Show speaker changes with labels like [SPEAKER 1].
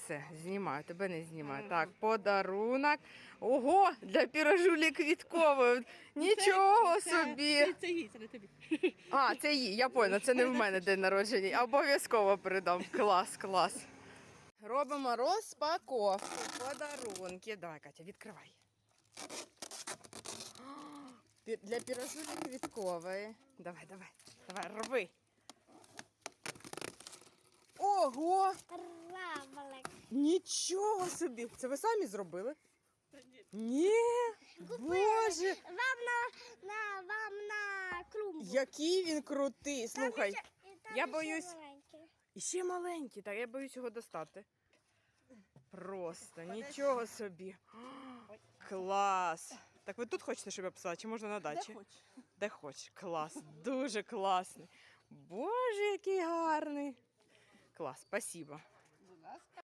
[SPEAKER 1] все, знімаю, тебе не знімаю. Так, подарунок. Ого, для пірожулі квіткової. Нічого собі.
[SPEAKER 2] Це їй, це не тобі.
[SPEAKER 1] А, це їй, я поняла, це не в мене день народження. Обов'язково передам. Клас, клас. Робимо розпаковку. Подарунки. Давай, Катя, відкривай. Для пірожулі квіткової. Давай, давай, давай, роби. Ого!
[SPEAKER 3] Равлик.
[SPEAKER 1] Нічого собі! Це ви самі зробили?
[SPEAKER 2] Та ні.
[SPEAKER 1] Ні! Боже!
[SPEAKER 3] Вам на клумбу.
[SPEAKER 1] Який він крутий! Слухай,
[SPEAKER 3] Там
[SPEAKER 1] я
[SPEAKER 3] ще
[SPEAKER 1] боюсь-
[SPEAKER 3] маленький.
[SPEAKER 1] і ще маленький, так я боюсь його достати. Просто нічого собі. Клас! Так ви тут хочете, щоб я писала, чи можна на
[SPEAKER 2] Де
[SPEAKER 1] дачі?
[SPEAKER 2] хоч.
[SPEAKER 1] Де хоч. Клас, дуже класний. Боже, який гарний. Клас, спасибо.
[SPEAKER 2] Будь ласка.